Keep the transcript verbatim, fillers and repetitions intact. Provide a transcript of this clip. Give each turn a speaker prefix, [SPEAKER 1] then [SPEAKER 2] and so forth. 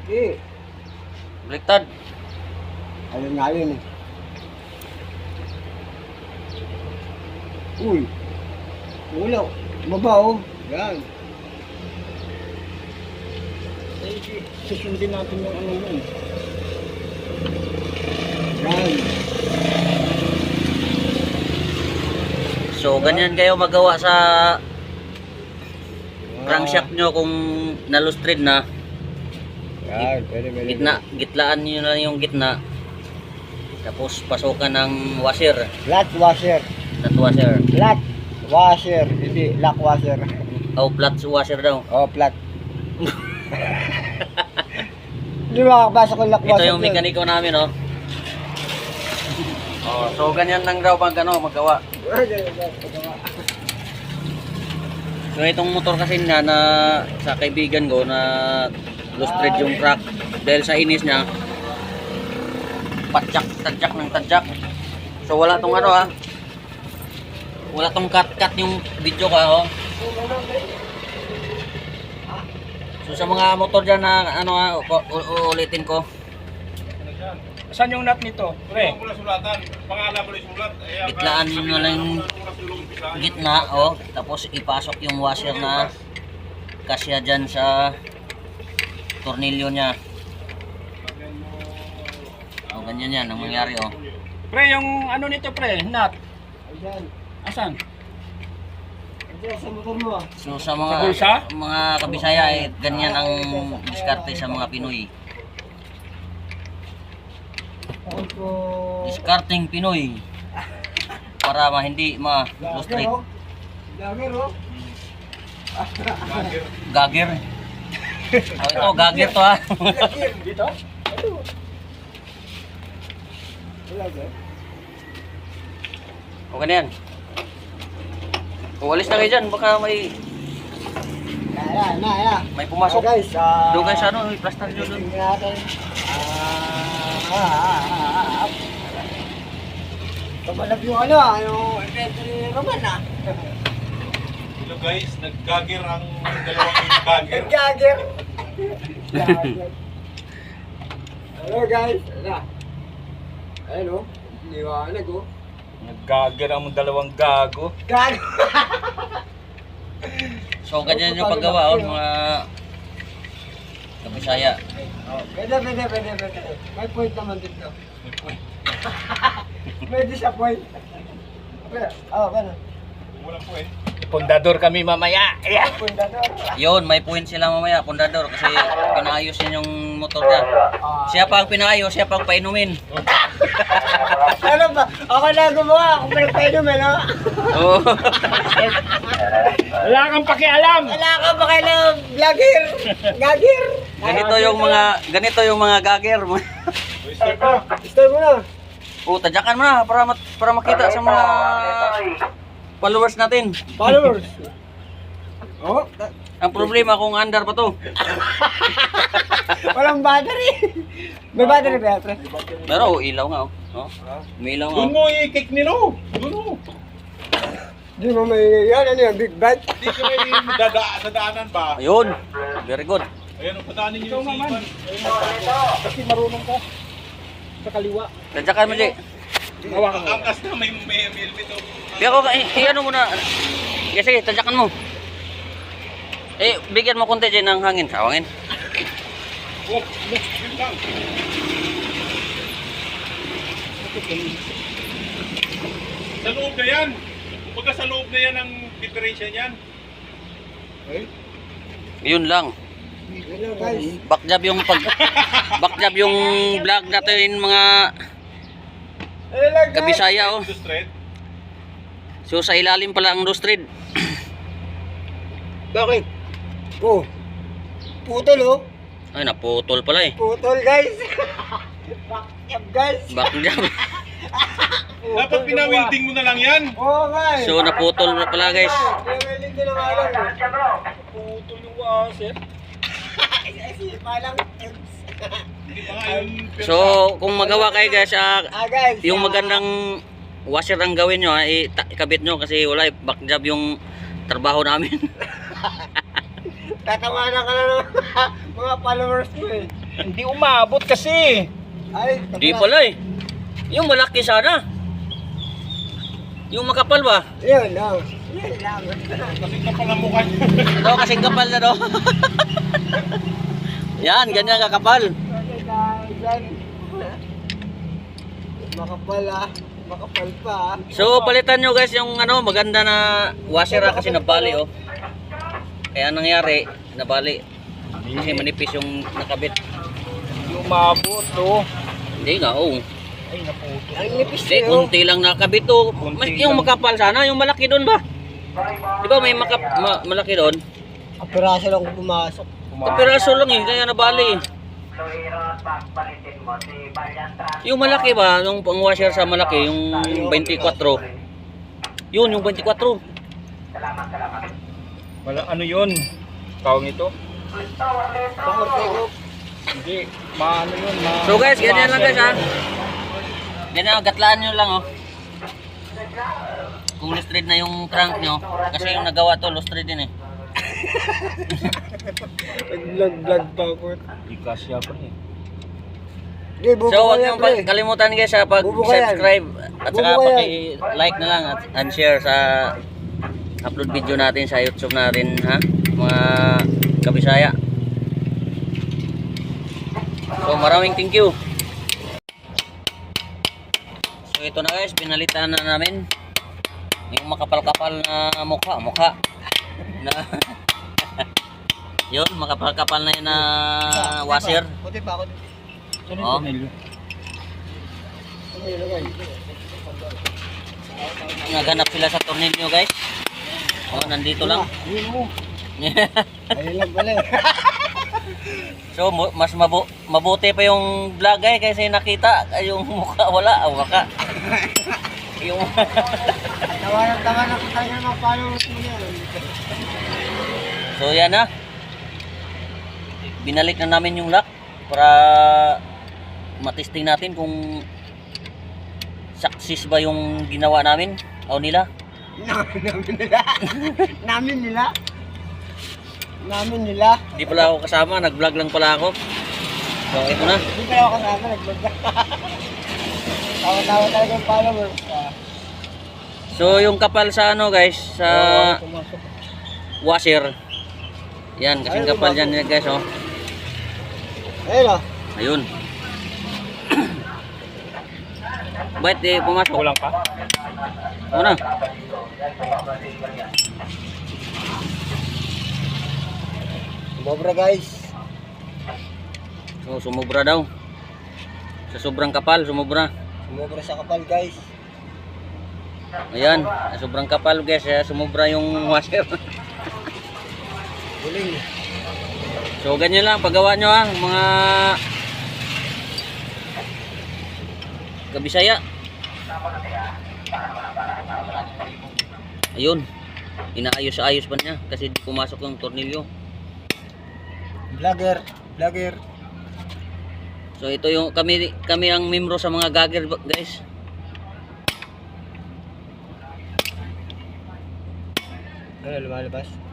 [SPEAKER 1] Eh,
[SPEAKER 2] Baliktad.
[SPEAKER 1] alin nga yun eh. Uy. Wala. Baba oh. Yan. Eh, susundin natin yung ano yun. Yan.
[SPEAKER 2] So, ganyan kayo magawa sa crankshaft nyo kung nalustrid na.
[SPEAKER 1] Yan, pwede, pwede.
[SPEAKER 2] Gitna, gitlaan nyo na yung gitna. Tapos pasukan ng washer.
[SPEAKER 1] Flat washer.
[SPEAKER 2] Flat washer.
[SPEAKER 1] Flat washer. Hindi, lock washer.
[SPEAKER 2] O flat washer daw.
[SPEAKER 1] Oh, flat. Hindi makakapasok yung lock washer.
[SPEAKER 2] Ito yung mekaniko namin, oh. Oh, so ganyan lang daw pag ano, magawa. So itong motor kasi na, na sa kaibigan ko na lustrid yung crack dahil sa inis niya. Patjak, tadjak ng tadjak. So wala tong ano ah. Wala tong cut-cut yung video ka, oh. So sa mga motor dyan na ano ah, ulitin ko.
[SPEAKER 3] Saan yung nut nito? Pre.
[SPEAKER 2] Gitlaan nyo lang yung gitna, oh. Tapos ipasok yung washer na kasya dyan sa tornilyo nya. Oh, ganyan yan ang mangyari, oh.
[SPEAKER 3] Pre, yung ano nito pre, nut.
[SPEAKER 1] Ayan.
[SPEAKER 3] Asan?
[SPEAKER 1] Ayan, sa motor mo ah.
[SPEAKER 2] So sa mga
[SPEAKER 3] Sa bulsa?
[SPEAKER 2] mga kabisaya, eh, ganyan ang diskarte sa mga Pinoy.
[SPEAKER 1] Ako po.
[SPEAKER 2] Diskarting Pinoy. Para ma hindi ma-lustrid.
[SPEAKER 1] Lager oh.
[SPEAKER 2] Gager. Oh, ito, gager to ha.
[SPEAKER 1] Lager.
[SPEAKER 3] Dito?
[SPEAKER 1] Lager.
[SPEAKER 2] Okay na yan. Uwalis na kayo dyan, baka may
[SPEAKER 1] Ayan, na, ayan.
[SPEAKER 2] may pumasok.
[SPEAKER 1] Ah, guys, ah,
[SPEAKER 2] Doon kayo sa ano, may plaster nyo doon.
[SPEAKER 1] tingnan natin. Ah, ah, ah, ah. Kamalap yung ano ah, yung inventory naman ah.
[SPEAKER 4] Hello guys, nag-gagger ang dalawang gagger.
[SPEAKER 1] Gagger. Gagger. Hello guys, ano? Ayun oh, liwanag oh.
[SPEAKER 3] Nag-gagger ang dalawang gago.
[SPEAKER 1] Gag.
[SPEAKER 2] So ganyan yung paggawa, oh, mga kabisaya.
[SPEAKER 1] Oh, pwede, pwede, pwede, pwede. May point naman dito. Pwede sa point. Pwede, oh, pwede.
[SPEAKER 4] Walang po eh.
[SPEAKER 3] Pundador kami mamaya. Yeah.
[SPEAKER 1] Point na doon.
[SPEAKER 2] Yun, may point sila mamaya, pundador, kasi pinaayos niya yung motor niya. Siya pa ang pinaayos, siya pa ang painumin.
[SPEAKER 1] Ano ba? Ako na gumawa, ako pa nagpainom eh, no?
[SPEAKER 2] Oo.
[SPEAKER 3] Wala kang pakialam.
[SPEAKER 1] Wala ka ba kayo ng vlogger? Gagger?
[SPEAKER 2] Ganito yung mga, ganito yung mga gager.
[SPEAKER 1] Start mo na.
[SPEAKER 2] O, tadyakan mo na para, mat- para makita sa mga followers natin.
[SPEAKER 1] Followers. Oh, ta-
[SPEAKER 2] Ang problema kung andar pa to.
[SPEAKER 1] walang battery. May battery ba, pre?
[SPEAKER 2] Pero oh, ilaw nga, oh. Oh, may ilaw nga.
[SPEAKER 4] Doon mo i-kick nilo. Doon mo.
[SPEAKER 1] Di mo may, yan, ano yan, big bike?
[SPEAKER 4] Hindi ka may dada sa daanan ba?
[SPEAKER 2] Ayun, very good.
[SPEAKER 4] Ayan, pataanin niyo yung sipan.
[SPEAKER 3] Kasi marunong ka. Sa kaliwa.
[SPEAKER 2] Tadyakan mo, Jay.
[SPEAKER 3] Hawakan mo.
[SPEAKER 4] Angkas na may may helmet oh.
[SPEAKER 2] Kaya ko, eh, eh, ano muna. Yes, sige, tadyakan mo. Eh, bigyan mo konti dyan ng hangin. Hawangin.
[SPEAKER 4] Oh, yun lang. Sa loob na yan. Kumbaga sa loob na yan ang diferensya niyan.
[SPEAKER 2] Yun lang.
[SPEAKER 1] Hello, guys.
[SPEAKER 2] Backjab yung pag backjab yung vlog natin mga
[SPEAKER 1] Hello, guys.
[SPEAKER 2] kabisaya, oh.
[SPEAKER 4] Ito straight.
[SPEAKER 2] So sa ilalim pala ang lustrid.
[SPEAKER 1] Bakit? Oh. Putol, oh.
[SPEAKER 2] Ay, naputol pala eh.
[SPEAKER 1] Putol, guys. Bakyab, guys.
[SPEAKER 2] Backjab.
[SPEAKER 4] Dapat pinawilding mo na lang yan.
[SPEAKER 1] Oo, guys.
[SPEAKER 2] So naputol na pala, guys.
[SPEAKER 1] Pinawilding ko na nga lang.
[SPEAKER 3] Puto yung washer.
[SPEAKER 1] Ay, palang.
[SPEAKER 4] Hindi pa nga yung...
[SPEAKER 2] So kung magawa kayo, guys, ah,
[SPEAKER 1] Ah, guys.
[SPEAKER 2] yung
[SPEAKER 1] ah,
[SPEAKER 2] magandang washer ang gawin nyo, ah, ikabit nyo kasi wala eh, backjab yung trabaho namin.
[SPEAKER 1] Tatawanan ka na ng mga followers mo eh.
[SPEAKER 3] Hindi umabot kasi.
[SPEAKER 1] Ay,
[SPEAKER 2] Di pala eh. Yung malaki sana. Yung makapal ba?
[SPEAKER 1] Yun, no. Yun lang.
[SPEAKER 4] Kasi ka pala mukha niya.
[SPEAKER 2] Ito kasing kapal na to. Yan, ganyan kakapal.
[SPEAKER 1] Okay, guys. Yan. Makapal ah. Makapal pa ah.
[SPEAKER 2] So palitan nyo guys yung ano maganda na washer ah, kasi nabali oh. Kaya nangyari, nabali. Kasi manipis yung nakabit.
[SPEAKER 3] Hindi umabot, oh.
[SPEAKER 2] Hindi nga oh.
[SPEAKER 3] Ay, naputo.
[SPEAKER 1] Ang nipis
[SPEAKER 2] Hindi,
[SPEAKER 1] eh, oh.
[SPEAKER 2] kunti lang nakabit oh. Mas, yung makapal sana, yung malaki doon ba? Di ba may maka, ma, malaki doon?
[SPEAKER 1] Kapiraso lang kung pumasok.
[SPEAKER 2] Kapiraso lang eh, kaya nabali. Yung malaki ba, yung pang washer sa malaki, yung twenty-four. Yun, yung twenty-four.
[SPEAKER 3] Wala, ano yun? Tawag ito?
[SPEAKER 1] Pakortego.
[SPEAKER 3] Hindi, maano yun, ma...
[SPEAKER 2] So guys, ganyan lang guys ha. Ganyan, gatlaan nyo lang oh. Kung loose thread na yung crank nyo, kasi yung nagawa to, loose thread din eh.
[SPEAKER 1] Nag-vlog-vlog pa ako.
[SPEAKER 3] Hindi kasya pa eh.
[SPEAKER 1] Hindi, bubo
[SPEAKER 2] So huwag
[SPEAKER 1] yan,
[SPEAKER 2] niyong
[SPEAKER 1] pre.
[SPEAKER 2] pa- kalimutan guys ha, pag-subscribe at saka
[SPEAKER 1] Bubuka yan.
[SPEAKER 2] paki-like na lang at and share sa upload video natin sa YouTube natin ha, mga kabisaya. So maraming thank you. So ito na guys, pinalitan na namin yung makapal-kapal na mukha, mukha na yun, makapal-kapal na yun na washer.
[SPEAKER 1] Puti pa ako.
[SPEAKER 3] Saan
[SPEAKER 2] Oh.
[SPEAKER 3] yung tornilyo?
[SPEAKER 2] Naghanap sila sa tornilyo guys. Oh, nandito lang.
[SPEAKER 1] Ayun mo. Ayun lang pala eh.
[SPEAKER 2] So mu- mas mabu mabuti pa yung vlog eh kasi nakita ay, yung mukha wala, ah, waka. Yung
[SPEAKER 1] Tawanan-tawanan ko tayo ng followers mo yan.
[SPEAKER 2] So yan na. Binalik na namin yung lock para matesting natin kung success ba yung ginawa namin o nila.
[SPEAKER 1] Namin nila. Namin nila. Namin nila.
[SPEAKER 2] Hindi pala ako kasama, nag-vlog lang pala ako. So ito na.
[SPEAKER 1] Hindi pa ako kasama, nag-vlog na. Tawa-tawa talaga yung followers. Ah.
[SPEAKER 2] So yung kapal sa ano guys, sa
[SPEAKER 1] Pumasok.
[SPEAKER 2] washer. Yan, kasing kapal dyan guys oh.
[SPEAKER 1] Ayun ah.
[SPEAKER 2] Ayun. Ba't eh pumasok?
[SPEAKER 3] Kulang pa?
[SPEAKER 2] Ano?
[SPEAKER 1] Sumobra guys.
[SPEAKER 2] So sumobra daw. Sa sobrang kapal, sumobra.
[SPEAKER 1] Sumobra sa kapal guys.
[SPEAKER 2] Ayan, sa sobrang kapal guys, eh, sumobra yung washer.
[SPEAKER 1] Huling.
[SPEAKER 2] So ganyan lang paggawa nyo ha, mga kabisaya. Ayun, inaayos-ayos pa niya kasi di pumasok yung tornilyo.
[SPEAKER 1] Vlogger. Vlogger.
[SPEAKER 2] So ito yung kami kami ang membro sa mga gagger guys.
[SPEAKER 1] Ano lumalabas?